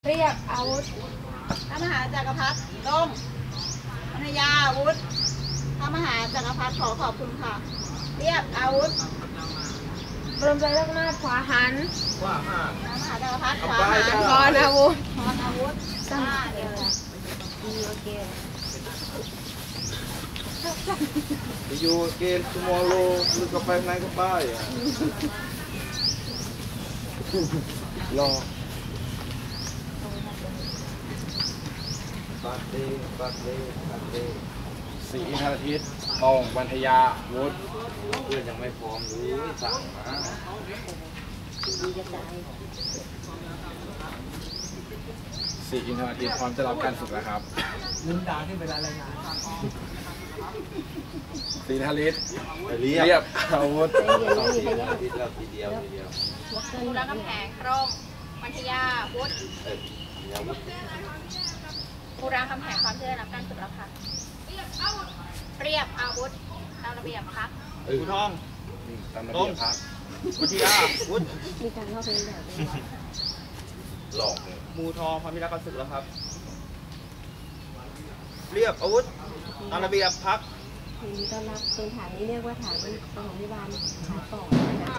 เรียกอาวุธพระมหาจักรพรรดิร่มภรรยาอาวุธพระมหาจักรพรรดิขอบคุณค่ะเรียกอาวุธบรมใจเลิกหน้าขวาหันพระมหาจักรพรรดิขวาหันพรอาวุธเดียวโอเคอยู่เกณฑ์ชั่วโมงโลหรือก็ไปไหนก็ไปรอปัดเดสีอินทรทิศตองวันทยาวุฒิเพื่อนยังไม่พร้อมเลยสั่งมาสีอินทรทิศพร้อมจะรับการฝึกแล้วครับลืมด่าที่เวลารายงานสีอินทรทิศเรียบอาวุธสีอินทรทิศแล้วทีเดียวบูรณะกำแพงร่มวันทยาวุฒิบูรณะกำแพงความเชื่อรับการฝึกแล้วค่ะเรียบอาวุธตามระเบียบค่ะภูทองตามระเบียบพักวิทยาวุฒิมีการเข้าเป็นแบบหลอกมูทองพามิรักการศึกแล้วครับเรียบอาวุธตามระเบียบพักทีนี้ต้อนรับเป็นฐานนี้เรียกว่าฐานปฐมพยาบาลขาต่อ